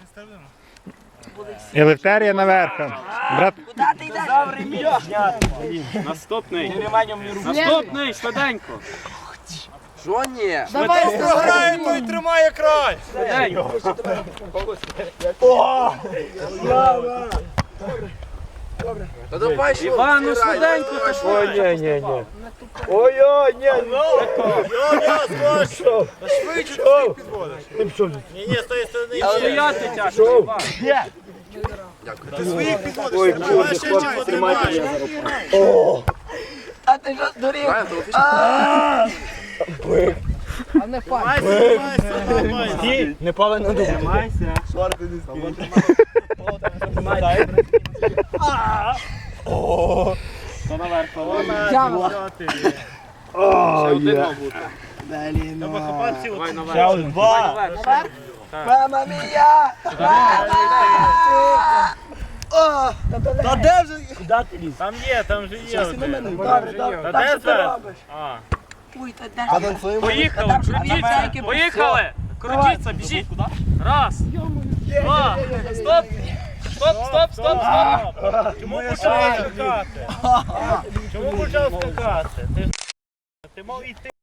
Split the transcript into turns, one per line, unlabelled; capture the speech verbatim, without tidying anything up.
Елефтерія наверх. Брат,
Куди ти йдеш?
Наступний. Наступний, швиденько.
Що ні?
Давай, програє, той тримає край.
Швиденько.
Та давай, що?
Іван, ну швиденько, та швиденько.
Ой-ой, ні,
Я скажу. Та швидше ти всіх підводиш. Ні, ні, з тої сторони ще.
Стояти тяжко, Іван.
Ти своїх підводиш. Давай ще чим потримаєш.
А ти що здурів?
Тримайся, тримайся, тримайся.
не повинно думати.
Тримайся.
Хто наверх?
О, є.
Треба хапати
Давай
от.
наверх.
Ще один.
Давай наверх.
Мама мія!
Та де вже? Куди ти ліз? Там є, там же є.
Добре, добре.
Та де
Що ти
це?
робиш?
А.
Уй, та де?
Поїхали, крутіться. Поїхали. Крутіться, біжіть. Раз. Два. Стоп. Стоп, стоп, стоп, стоп.
Чому почав скакати? Чому почав скакати? Ти ж- Ти мав іти.